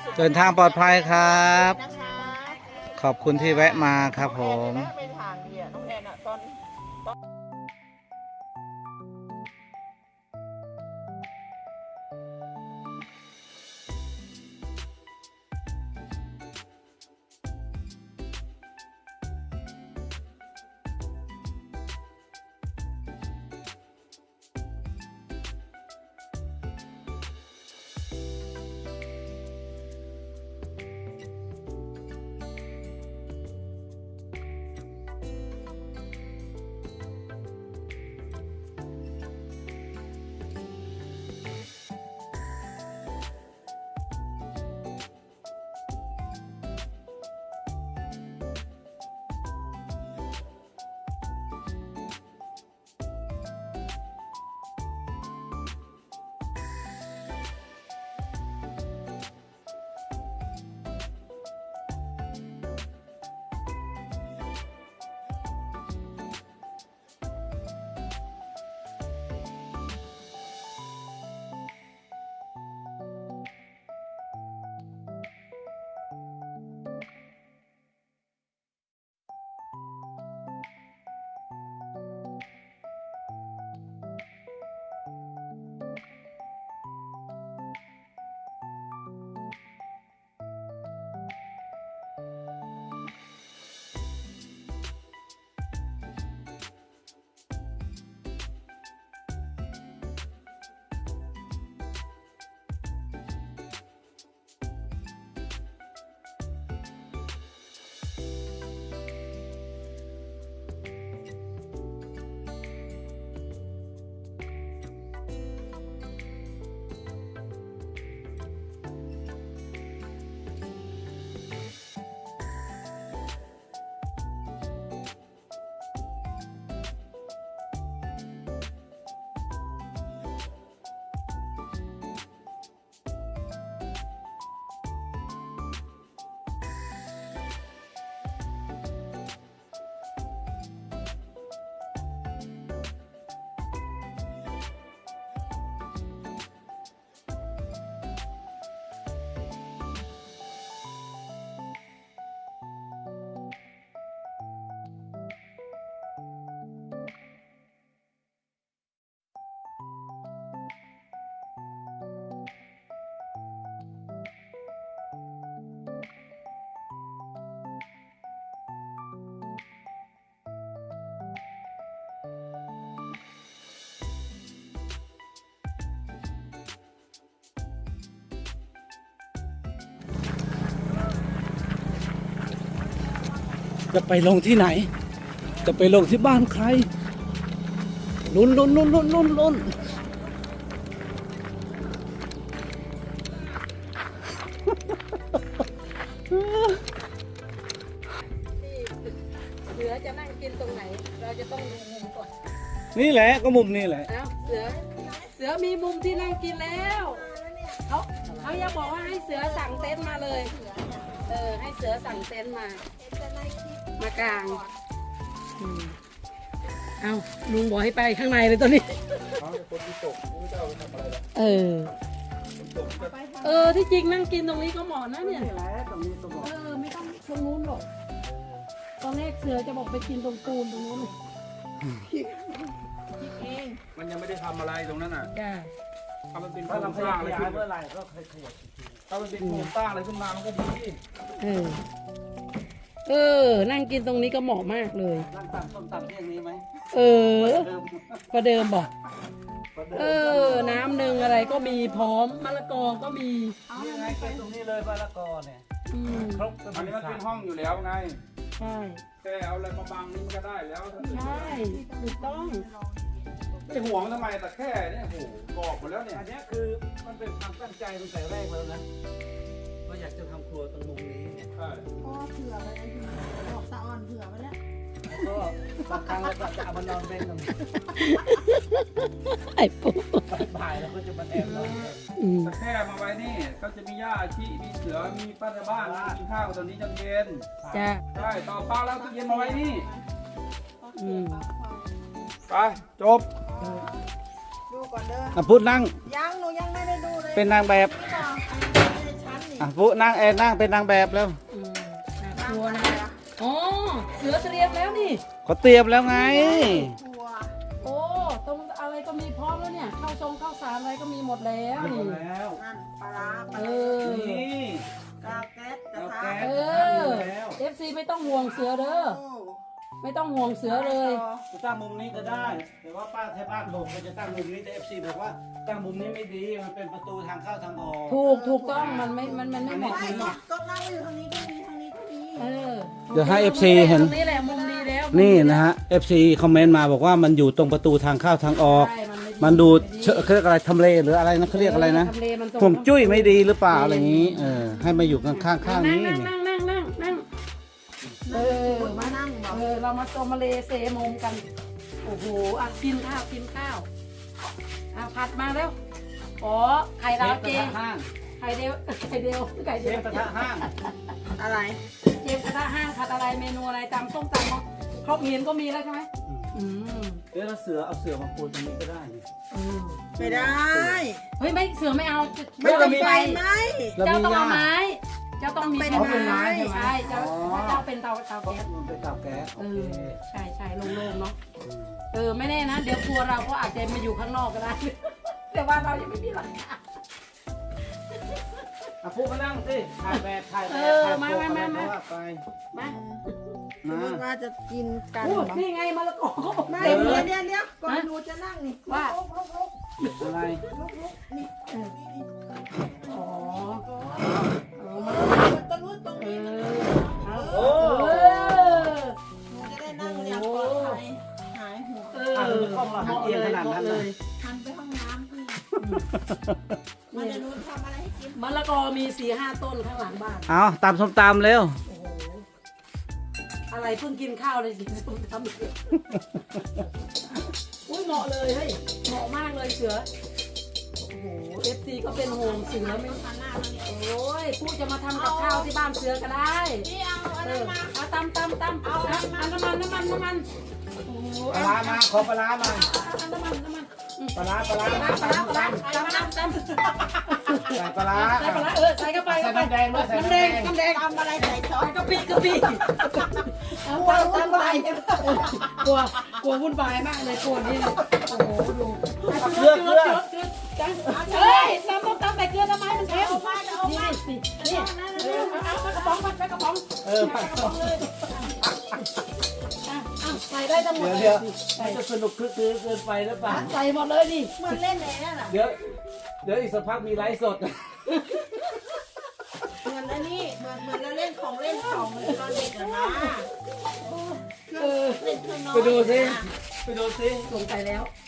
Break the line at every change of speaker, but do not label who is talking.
เดินทางปลอดภัยครับ
นะคะ
ขอบคุณที่แวะมาครับผม
น้องแอนไปทางเดียน้องแอนอะตอน
จะไปลงที่ไหน จะไปลงที่บ้านใครลุ้นลุ้นลุ้นลุ้นลุ้นลุ้น
เสือจะนั่งกินตรงไหน เราจะต้องดูมุมก่อน
นี่แหละก็มุมนี่แหละ
เอ้าเสือมีมุมที่นั่งกินแล้วเขาอย่าบอกว่าให้เสือสั่งเต็นท์มาเลย ให้เสือสั่งเต็นท์มากลางเอาลุงบอกให้ไปข้างในเลยตอนนี้ที่จริงนั่งกินตรงนี้ก็เหมาะนะเนี่ยไม่ต้องตรงนู้นหรอกตอนแรกเสือจะบอกไปกินตรงปูนตรงนู้นเลยเอง
มันยังไม่ได้ทำอะไรตรงนั้นอ่ะ
จ้า
ถ้ามันเป็นโครงสร้างอะไรขึ้นเมื่อไหร่ก็ขยับถ้ามันเป็นโครงสร้างอะไรขึ้นมามันก็ดี
นั่งกินตรงนี้ก็เหมาะมากเลย
นั่งตักส้มตำเที่ยงนี้ไหม
ประเดิมบอกน้ำหนึ่งอะไรก็มีพร้อมมะละกอก็มี
นี่ไงแค่ตรงนี้เลยมะละกอเนี่ยครบ
อันนี้มันเป็นห้องอยู่แล้วไง
ใช่
แค่เอาอะไรมาบังนี่มันก็ได้แล้ว
ใช่ถูกต้อง
ไม่ห่วงทำไมแต่แค่เนี่ยโหบอกหมดแล้วเนี่ย
อันนี้คือมันเป็นความตั้งใจตั้งแต่แรกแล้วนะว่าอยากจะทำครัวตรงมุมนี้เนี่ย
ใช่
พ่อเผื่อไว้แล้วบอกตาอ่อนเผื่อไว้แล้ว
แล้วก็บางครั้งเราก็จะเอามานอนเล่นตรงนี้
ไอ้ปุ๊
บ่ายๆเราก็จะมาแอบนอนเล่น
แต่แค่มาไว้นี่ก็จะมีย่าชีมีเสือมีป้าในบ้านกินข้าวตอนนี้เย็น
จ้า
ใช่ต่อเป้าแล้วตู้เย็นมาไว้นี่ ไปจบ
ดูก่อนเด้อ
พูดนั่ง
ยังหนูยังไม่ได้ดูเลย
เป็นนางแบบ
นี่บอกในชั้นนี่
อ่ะปุ๊นั่งนั่งเป็นนางแบบแล้ว
น่ากลัวนะอ๋อเสือเตรียมแล้วนี่
เขาเตรียมแล้วไง
กลัว
โอ้ตรงอะไรก็มีพร้อมแล้วเนี่ยข้าวสารอะไรก็มีหมดแล้วนี่
แล้ว
นั่นปลาร้าปลา
เอ
ร้า
อ
นี่
กาวแก๊สกระ
แล้ว
ทะ
แก๊ส
เอ
ทำอยู่แล้ว
FC ไม่ต้องห่วงเสือเด้อ
โอ้
ไม่ต้องห่วงเสือเลย
จะตั้งมุมนี้ก็ได้ แต่ว่าป้าเทพบ้านบอกว่าจะตั้งมุมนี้แต่ FC บอกว่าตั้งมุมนี้ไม่ดีมันเป็นประตูทางเข้าทางออก
ถูกต้องมันไม่เหมาะ
ไม่ก็นั่งอยู่ตรงนี้ก็มีทางนี้ก็มี
เออ
เดี๋ยวให้ FC เห็น
ตรงนี้แหละมุมดีแล้ว
นี่นะฮะ FC คอมเมนต์มาบอกว่ามันอยู่ตรงประตูทางเข้าทางออก
ใช่ไ
มันดูเขาเรียกอะไรทำเลหรืออะไรนะเขาเรียกอะไรนะ
ทำเลมันตรง
ผมจุ้ยไม่ดีหรือเปล่าอะไรอย่างนี้ ให้มาอยู่ข้างๆนี้
นั่ง
นี่
นั่งเออ
มานั่งบอก
เรามาโซมาเลเซมุมกันโอ้โหอ่ะกินข้าวอ่ะผัดมาแล้วอ๋อไข่ดาวเจ
ห้าง
ไข่เดียว
เชฟกระทะห้าง
อะไร
เจมกระทะห้างผัดอะไรเมนูอะไรตำส้มตำเนาะครบเมียนก็มีแล้วใช่ไหมอืม
เดี๋ยวเอาเสือมาปูตรงนี้ก็ได้นี่
ไม่ได้
เฮ้ยไม่เสือไม่เอา
ไม่ต้องไฟไหม
แล้ว
เจ้า
มี
ต้อง
ย่า
เอาไม้เจ้าต้องมี
ต้องเป็นไม้
ใช่เจ้าเจ้าเป็นเตาแก๊ส
มันเป็นเตาแก๊ส
เออใช่โล่งๆเนาะไม่แน่นะเดี๋ยวครัวเราก็อาจจะมาอยู่ข้างนอกก็ได้ แต่ว่าเรายังไม่มีหลังคา
อ่ะพูดมานั่งสิถ่ายแบบถ่าย
มา
อะไรก็ว่าไป
มา
สมมติว่าจะกินกัน
พูด
เหรอ
นี่ไงมะละกอเขาบอก
ไม่
เต็มเลย
เดี๋ยวก่อนหนูจะนั่งนี่
ว่า
อะไร
นี่
อ๋อ
มันตะลุยตรง
เอ
นี้
อ
โอ้
หนูจะได้นั่งอย่างปลอดภัยหายห่วง ทันไปห้องน้ำพี่มันจะรู้ทำอะไรให้กิน
มะละกอมี4-5 ต้นข้างหลังบ้าน
เอาตำส้มตำเร็ว
โอ้โหอะไรเพิ่งกินข้าวเลยกินส้มตำเลยอุ้ยเหมาะเลยเฮ้ยเหมาะมากเลยเสือโอ้โหFCก็เป็นห่วงเสือไม่
ทานหน้าแล้วเนี่ย
โอ้ยผู้จะมาทำกับข้าวที่บ้านเสือก็ได้
พี่เอาอัน
เอ
นั้น
อ
มา
เอาตำเอาน้ำมันโอ้โห
ปลาร้ามาขอปลาร้ามา
น้ำมัน
ปลาร้า
ปลาตำ
ใส่ปลาร้า
ใส่ปลาร้าใส่เข้าไป
ใส่น้ำแดงด้วยใส่
น้ำ
น้ำ
แด
แด
ง
ง
น้ำแดง
ทำอะไรใส่ช้อน
กะปิเอาตำไปกลัววุ่นวายมากเลยกลัวนี่โอ้โหดู
เกลือ
เฮ้ยตำใส่เกลือทำไมมันเค็มนี่เอากระป๋องไปกระป๋อง
ไป
ใส่ได้ทั้งหมด
เดี๋ยวมันจะสนุกคลึกคลื้นเกินไปหรือเปล่า
ใส่หมดเลยนี่
เหมือนเล่นเลยนั่นน่ะ
เดี๋ยวอีกสักพักมีไลฟ์สด
เหมือนอันนี้เหมือนเราเล่นของเล่นของตอนเด็กอะนะ
เออ
เล่นเครื่องนอน
ไปดูสิ
สงสัยแล้ว